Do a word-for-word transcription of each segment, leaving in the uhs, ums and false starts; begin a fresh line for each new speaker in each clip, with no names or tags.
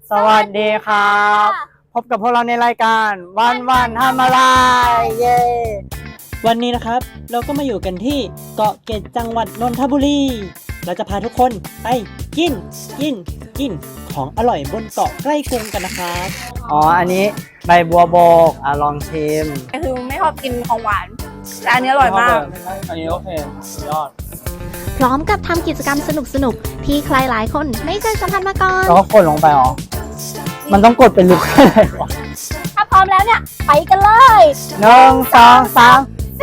สวัสดีครับพบกับพวกเราในรายการวันวันทำอะไรเย้วันนี้นะครับเราก็มาอยู่กันที่เกาะเกร็ดจังหวัดนนทบุรีเราจะพาทุกคนไปกินกินกินของอร่อยบนเกาะใกล้กรุงกันนะครับอ๋ออันนี้ใบบัวบกอ่ะลองชิม
คือไม่ชอบกินของหวานแต่อันนี้อร่อยมาก
อันนี้โอเคสุดยอด
พร้อมกับทำกิจกรรมสนุกๆที่ใครหลายคนไม่เคยสัมผัสมาก่อน
แล้วก็กดลงไปอ๋อมันต้องกดเป็นลุกอะไรวะ
ถ้าพร้อมแล้วเนี่ยไปกันเลย
หนึ่งสองสาม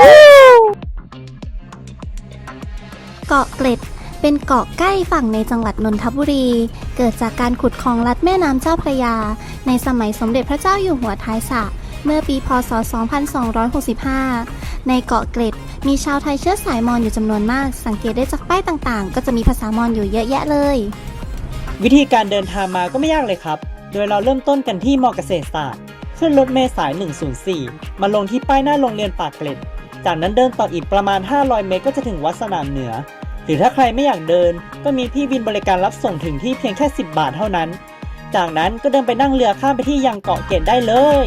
เกาะเกร็ดเป็นเกาะใกล้ฝั่งในจังหวัดนนทบุรีเกิดจากการขุดคลองลัดแม่น้ำเจ้าพระยาในสมัยสมเด็จพระเจ้าอยู่หัวท้ายสระเมื่อปีพ.ศ. สองพันสองร้อยหกสิบห้าในเกาะเกร็ดมีชาวไทยเชื้อสายมอญอยู่จำนวนมากสังเกตได้จากป้ายต่างๆก็จะมีภาษามอญอยู่เยอะแยะเลย
วิธีการเดินทางมาก็ไม่ยากเลยครับโดยเราเริ่มต้นกันที่มอเกษตรศาสตร์ขึ้นรถเมล์สายหนึ่งศูนย์สี่มาลงที่ป้ายหน้าโรงเรียนปากเกร็ดจากนั้นเดินต่ออีกประมาณห้าร้อยเมตรก็จะถึงวัดสนามเหนือหรือถ้าใครไม่อยากเดินก็มีพี่วินบริการรับส่งถึงที่เพียงแค่สิบบาทเท่านั้นจากนั้นก็เดินไปนั่งเรือข้ามไปที่ยังเกาะเกร็ดได้เลย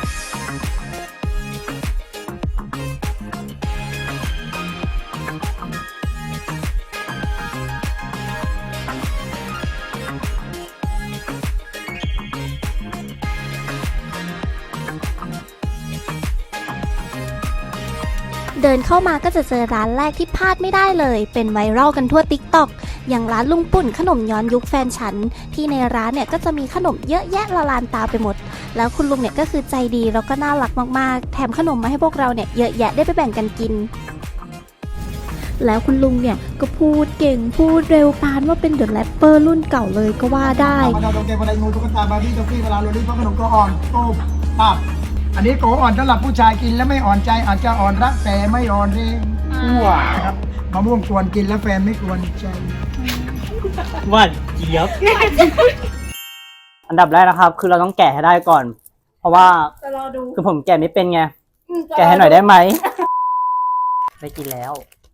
เดินเข้ามาก็จะเจอร้านแรกที่พลาดไม่ได้เลยเป็นไวรัลกันทั่ว ติ๊กต็อก อย่างร้านลุงปุ่นขนมย้อนยุคแฟนฉันที่ในร้านเนี่ยก็จะมีขนมเยอะแยะละลานตาไปหมดแล้วคุณลุงเนี่ยก็คือใจดีแล้วก็น่ารักมากๆแถมขนมมาให้พวกเราเนี่ยเยอะแยะได้ไปแบ่งกันกินแล้วคุณลุงเนี่ยก็พูดเก่งพูดเร็วปานว่าเป็นเดอะแรปเปอร์รุ่นเก่าเลยก็ว่าได้
มาดาวตรงเกมวันไดงูตุ๊กตาบาร์บี้ท็อฟฟี่เวลาโรลลี่เพราะขนมก็อ่อนโตภาพอันนี้โกอ่อนสำหรับผู้ชายกินแล้วไม่อ่อนใจอาจจะอ่อนรักแต่ไม่อ่อนเรงอ้วนะครับมะม่วงกวนกินแล้วแฟนไม่กวนใจ
หวานเจี๊ยบอันดับแรกนะครับคือเราต้องแกะให้ได้ก่อนเพราะว่าคือผมแกะไม่เป็นไงแกะให้หน่อยได้ไหมได้กินแล้ว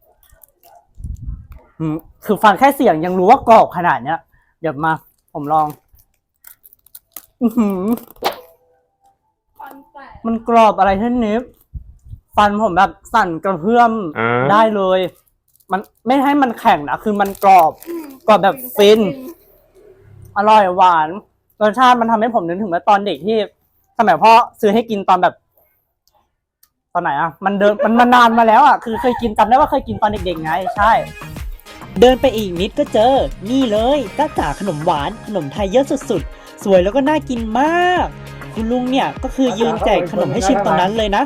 คือฟังแค่เสียงยังรู้ว่ากรอบขนาดเนี้ยเดี๋ยวมาผมลองอือหือมันกรอบอะไรท่านนิฟฟันผมแบบสั่นกระเพื่อมได้เลยมันไม่ให้มันแข็งนะคือมันกรอบกรอบแบบฟินอร่อยหวานรสชาติมันทำให้ผมนึกถึงเมื่อตอนเด็กที่สมัยพ่อซื้อให้กินตอนแบบตอนไหนอ่ะมันเดินมันมานานมาแล้วอ่ะคือเคยกินจำได้ว่าเคยกินตอนเด็กๆไงใช่
เดินไปอีกนิดก็เจอนี่เลยจ้าจ๋าขนมหวานขนมไทยเยอะสุดๆสวยแล้วก็น่ากินมากคุณลุงเนี่ยก็คือยืนแจกขนมให้ชิมตรงนั้นเลยนะ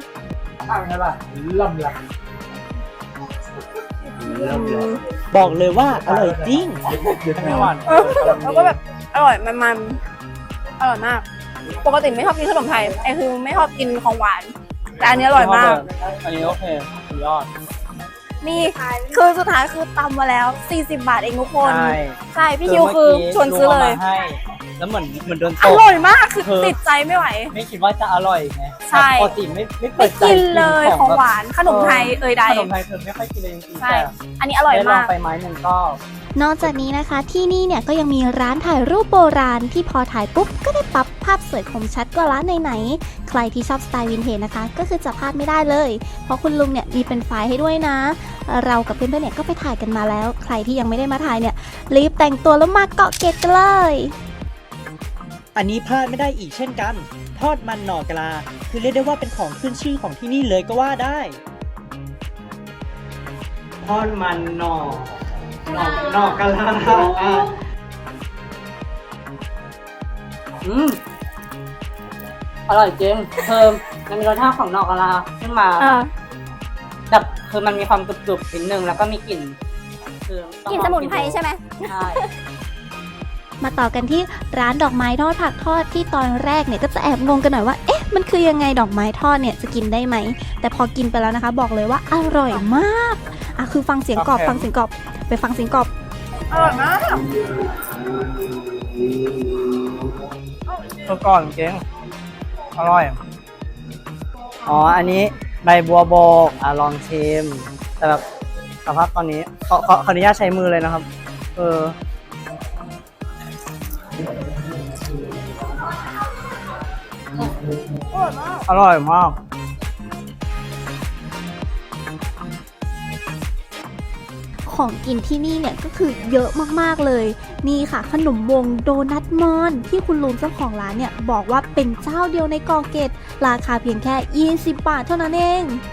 บอกเลยว่าอร่อยจริง
แล้วก็แบบอร่อยมันๆอร่อยมากปกติไม่ชอบกินขนมไทยไอ้คือไม่ชอบกินของหวานแต่อันนี้อร่อยมาก
อันนี้โอเคสุดยอด
นี่คือสุดท้ายคือตำมาแล้วสี่สิบบาทเองทุกคนใช่ใช่พี่คิวคือชวนซื้อเลย
แล้วเหมือนเหมือนโดนต
กอร่อยมากคือติดใจไม่ไหว
ไม่คิดว่าจะอร่อยไง
ใช่
ปกติไม่ไม่
ไม่กินเลยของหวานขนมไทยเอ่ยใด
ขนมไทยเธอไม่ค่อยกินเลยจริงๆ
ใช่อันนี้อร่อยมาก
ไปไม้หนึ่งก็
นอกจากนี้นะคะที่นี่เนี่ยก็ยังมีร้านถ่ายรูปโบราณที่พอถ่ายปุ๊บก็ได้ปั๊บภาพสวยคมชัดกว่าร้านไหนๆใครที่ชอบสไตล์วินเทจนะคะก็คือจะพลาดไม่ได้เลยเพราะคุณลุงเนี่ยมีเป็นไฟล์ให้ด้วยนะเรากับเพื่อนๆเนี่ยก็ไปถ่ายกันมาแล้วใครที่ยังไม่ได้มาถ่ายเนี่ยรีบแต่งตัวแล้วมาเกาะเกร็ดกันเลย
อันนี้พลาดไม่ได้อีกเช่นกันทอดมันหน่อกะลาคือเรียกได้ว่าเป็นของขึ้นชื่อของที่นี่เลยก็ว่าได้
ทอดมันหน่อหน่อหน่อกะลาอืมอร่อยจริงเพิ่มมันมีรสชาติของหน่อกะลาขึ้นมาแบบคือมันมีความกรุบๆนิดนึงแล้วก็มีกลิ่นคือก
ลิ่นสมุนไพรใช่ไหม
ใช่
มาต่อกันที่ร้านดอกไม้ทอดผักทอดที่ตอนแรกเนี่ยก็จะแอบงงกันหน่อยว่าเอ๊ะมันคือยังไงดอกไม้ทอดเนี่ยจะกินได้ไหมแต่พอกินไปแล้วนะคะบอกเลยว่าอร่อยมากอ่ะคือฟังเสียงกรอบฟังเสียงกรอบไปฟังเสียงกรอบ
อร่อยมาก
ตัวก่อนเก่งอร่อยอ๋ออันนี้ใบบัวบกอ่ะลองชิมแต่แบบสภาพตอนนี้ขอขอขออนุญาตใช้มือเลยนะครับเออ
อร่อยมาก
อร่อยมาก
ของกินที่นี่เนี่ยก็คือเยอะมากๆเลย นี่ค่ะขนมวงโดนัทมอนที่คุณลุงเจ้าของร้านเนี่ยบอกว่าเป็นเจ้าเดียวในเกาะเกร็ดราคาเพียงแค่ยี่สิบบาทเท่านั้นเอง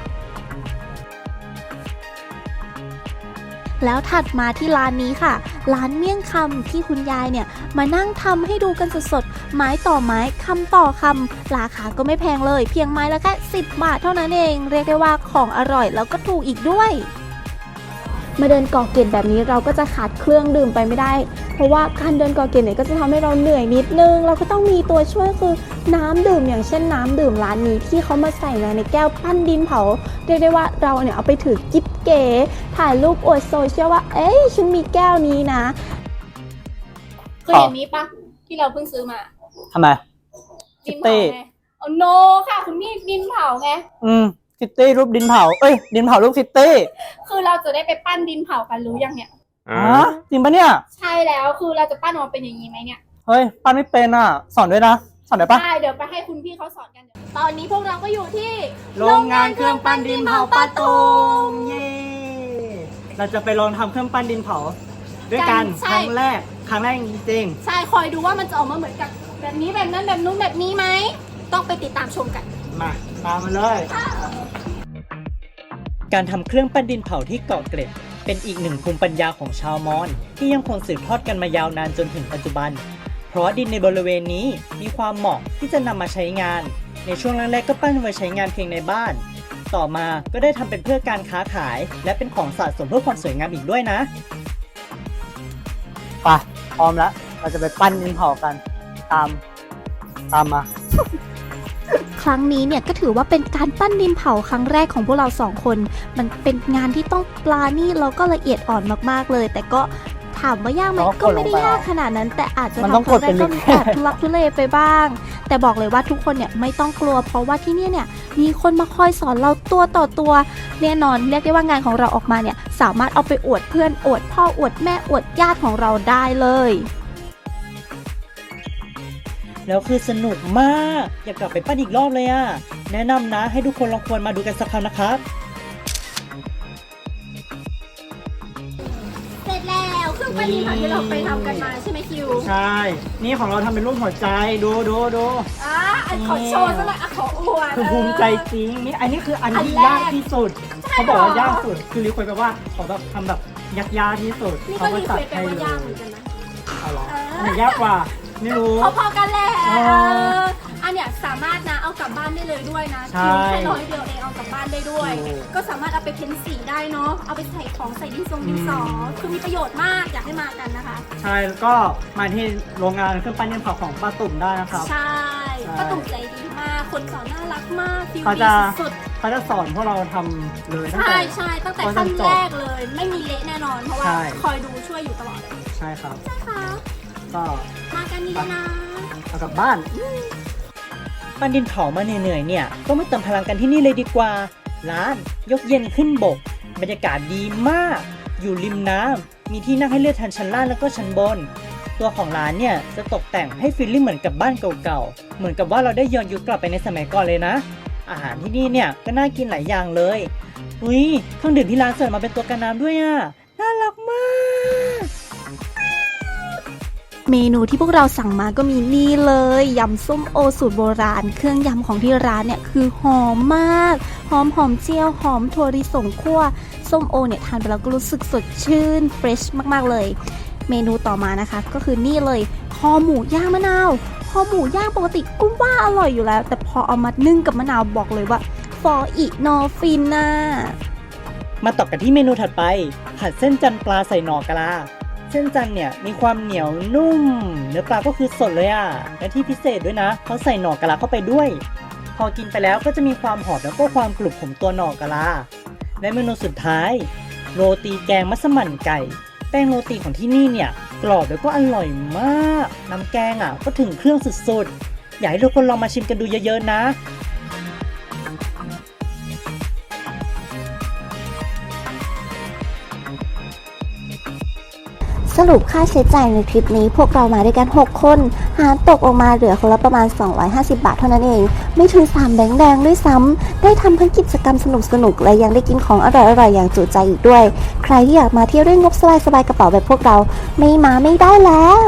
แล้วถัดมาที่ร้านนี้ค่ะ ร้านเมี่ยงคำที่คุณยายเนี่ยมานั่งทำให้ดูกันสดๆไม้ต่อไม้คำต่อคำราคาก็ไม่แพงเลยเพียงไม้ละแค่สิบบาทเท่านั้นเองเรียกได้ว่าของอร่อยแล้วก็ถูกอีกด้วย มาเดินเกาะเกร็ดแบบนี้เราก็จะขาดเครื่องดื่มไปไม่ได้ เพราะว่าการเดินเกาะเกร็ดเนี่ยก็จะทำให้เราเหนื่อยนิดนึงเราก็ต้องมีตัวช่วยคือน้ำดื่มอย่างเช่นน้ำดื่มร้านนี้ที่เขามาใส่มาในแก้วปั้นดินเผาเรียกได้ว่าเราเนี่ยเอาไปถือกิ๊บเก๋ถ่ายรูปอวดโซเชียลว่าเอ้ยฉันมีแก้วนี้นะ
เคยเห็นนี้ปะที่เราเพิ่งซื้อมา
ทำไม
ดิน
คิตตี้
เผาไงเอาโนค่ะคุณพี่ดินเผาไง
อืมคิตตี้รูปดินเผา เอ้ย ดินเผารูปคิตตี้
คือเราจะได้ไปปั้นดินเผากันรู้ยังเนี่ย
อ๋อจริงปะเนี่ย
ใช่แล้วคือเราจะปั้นออกมาเป็นอย่างนี้ไหมเนี่ย
เฮ้ย ปั้นไม่เป็นอ่ะ สอนด้วยนะ สอนได้ปะ
ได้เดี๋ยวไปให้คุณพี่เขาสอนกันเดี๋ยวตอนนี้พวกเราก็อยู่ที่
โรงงานเครื่องปั้นดินเผาป้าตุมเย้ เราจะไปลองทำเครื่องปั้นดินเผา ด้วยกันครั้งแรก ครั้งแรกจริง
ใช่คอยดูว่ามันจะออกมาเหมือนกับแบบนี้แบบนั้นแบบนู้นแบบนี้ไหมต้องไปติดตามชมกัน
ๆมา ตามมาเลย
การทำเครื่องปั้นดินเผาที่เกาะเกร็ดเป็นอีกหนึ่งภูมิปัญญาของชาวมอญที่ยังคงสืบทอดกันมายาวนานจนถึงปัจจุบัน เพราะดินในบริเวณนี้มีความเหมาะที่จะนำมาใช้งาน ในช่วงแรกๆก็ปั้นไว้ใช้งานเพียงในบ้าน ต่อมาก็ได้ทำเป็นเพื่อการค้าขาย และเป็นของสะสมเพื่อความสวยงามอีกด้วยนะ
ไป พร้อมแล้ว เราจะไปปั้นดินเผากัน ตาม ตามมา
ครั้งนี้เนี่ยก็ถือว่าเป็นการปั้นดินเผาครั้งแรกของพวกเราสองคน มันเป็นงานที่ต้องปลานี่แล้วก็ละเอียดอ่อนมากๆเลย แต่ก็ถามว่ายากไหม
เราก็
ก็ไม่ได้
กดลงไป
ยากขนาดนั้น แต่อาจจะ
มัน
ทำ
ต้อง
ครั้งแร
กดเป็
ก
น
ก็
ลิ
มี
งก์
แอบทุลักทุเลไปบ้าง แต่บอกเลยว่าทุกคนเนี่ยไม่ต้องกลัว เพราะว่าที่เนี่ยเนี่ยมีคนมาคอยสอนเราตัวต่อตัวแน่นอนเรียกได้ว่างานของเราออกมาเนี่ยสามารถเอาไปอวดเพื่อนอวดพ่ออวดแม่อวดญาติของเราได้เลย
แล้วคือสนุกมาก อยากกลับไปปั้นอีกรอบเลยอะแนะนำนะให้ทุกคนลองควรมาดูกันสักครั้งนะครับ
เสร็จแล้วเครื่องปั้นดินเผาที่เราไปทำกันมาใช่ไหมคิว
ใช่ นี่ของเราทำเป็นรูปหัวใจ ดูดูดู
อ่ะอันขอโชว์ซะหน่อยอ่ะขออวด
คือภูมิใจจริง นี่ อันนี้คืออัน
อัน
ที่
แรก
ยากที่สุด
ใช่
เขาบอกว่า
เหรอย
ากสุด คือรีเควสต์แปลว่าขอแบบทำแบบยากๆที่สุด
นี่
เขา
ก็
ก็
รี
จั
เคว
ด
สต์ไป
ให้
ว่า
เลย
ยากเหมือนกันนะ
เอาเหรอ
เอออั
อันไหนยากกว่า ไม่รู้
พอๆกันแหละ
อ๋อ
เอออันเนี้ยสามารถนะเอากลับบ้านได้เลยด้วยนะ
ใช่
คิวแค่ร้อยเดียวเองเอากลับบ้านได้ด้วย
โอ้
ก็สามารถเอาไปเพ้นสีได้เนาะเอาไปใส่ของใส่ดินทรงดินสออคือมีประโยชน์มากอยากให้มากันนะคะ
ใช่ แล้วก็มาที่โรงงานเครื่องปั้นดินเผาของป้าตุ่มได้นะครับ
ใช่
ใช่
ป้าตุ่มใจดีมากคนสอนน่ารักมากฟิล
เขา
ดี
จะ
สุด
เขาจะสอนพวกเราทำเลย
ๆ
ตั้ง
ใช่
แต่
ใช่ตั้งแต่
ตอน
ขั้น
จบ
แรกเลย ไม่มีเละแน่นอนเพราะว่า
ใช่
คอยดูช่วยอยู่ตลอดเลย
ใช่ครับ
ใช่ค่ะ
ก็
มากันดีๆนะ
เอากลับบ้าน
ปั้นดินเผามาเหนื่อยๆเนี่ยก็มาเติมพลังกันที่นี่เลยดีกว่า ร้านยกเย็นขึ้นบก บรรยากาศดีมาก อยู่ริมน้ำมีที่นั่งให้เลือกทั้งชั้นล่างแล้วก็ชั้นบน ตัวของร้านเนี่ยจะตกแต่งให้ฟีลลิ่งเหมือนกับบ้านเก่าๆเหมือนกับว่าเราได้ย้อนยุคกลับไปในสมัยก่อนเลยนะ อาหารที่นี่เนี่ยก็น่ากินหลายอย่างเลยอุ้ยเครื่องดื่มที่ร้านเสิร์ฟมาเป็นตัวกันน้ำด้วยอ่ะน่ารักมาก
เมนูที่พวกเราสั่งมาก็มีนี่เลยยำส้มโอสูตรโบราณ เครื่องยำของที่ร้านเนี่ยคือหอมมากหอมหอมเจียวหอมถั่วลิสงคั่วส้มโอเนี่ยทานไปแล้วก็รู้สึกสดชื่นเฟรชมากๆเลย เมนูต่อมานะคะก็คือนี่เลยคอหมูย่างมะนาวคอหมูย่างปกติก็ว่าอร่อยอยู่แล้ว แต่พอเอามานึ่งกับมะนาวบอกเลยว่าฟออีนอฟินน่ะ
มาต่อกันที่เมนูถัดไปผัดเส้นจันทร์ปลาใส่หน่อกะลาเส้นจันทร์เนี่ยมีความเหนียวนุ่มเนื้อปลาก็คือสดเลยอ่ะและที่พิเศษด้วยนะเขาใส่หน่อกะลาเข้าไปด้วย พอกินไปแล้วก็จะมีความหอมแล้วก็ความกรุบของตัวหน่อกะลาและเมนูสุดท้ายโรตีแกงมัสมั่นไก่แป้งโรตีของที่นี่เนี่ยกรอบแล้วก็อร่อยมากน้ำแกงอ่ะก็ถึงเครื่องสุดๆอยากให้ทุกคนลองมาชิมกันดูเยอะๆนะ
สรุปค่าใช้จ่ายในทริปนี้พวกเรามาด้วยกันหกคนหารตกออกมาเหลือคนละประมาณสองร้อยห้าสิบบาทเท่านั้นเองไม่ถึงสามแบงค์แดงด้วยซ้ำได้ทำทั้งกิจกรรมสนุกๆและยังได้กินของอร่อยๆอย่างจุใจอีกด้วยใครที่อยากมาเที่ยวด้วยงบสบายๆกระเป๋าแบบพวกเราไม่มาไม่ได้แล้ว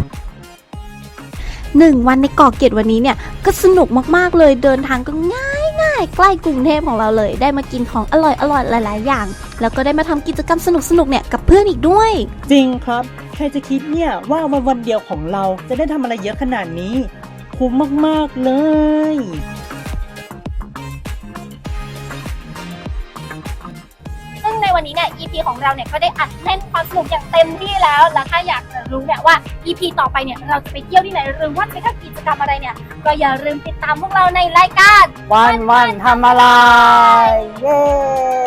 หนึ่งวันในเกาะเกร็ดวันนี้เนี่ยก็สนุกมากๆเลยเดินทางก็ง่ายง่ายใกล้กรุงเทพของเราเลยได้มากินของอร่อยอร่อยหลายๆอย่างแล้วก็ได้มาทำกิจกรรมสนุกๆเนี่ยกับเพื่อนอีกด้วย
จริงครับใครจะคิดเนี่ยว่าวันวันเดียวของเราจะได้ทำอะไรเยอะขนาดนี้คุ้มมากๆเลย
ซึ่งในวันนี้เนี่ย อี พี ของเราเนี่ยก็ได้อัดแน่นความสนุกอย่างเต็มที่แล้ว แล้วถ้าอยากจะรู้เนี่ยว่า อี พี ต่อไปเนี่ยเราจะไปเที่ยวที่ไหนหรือว่าไปทำกิจกรรมอะไรเนี่ยก็อย่าลืมติดตามพวกเราในรายการ
วันวันทำอะไร เย้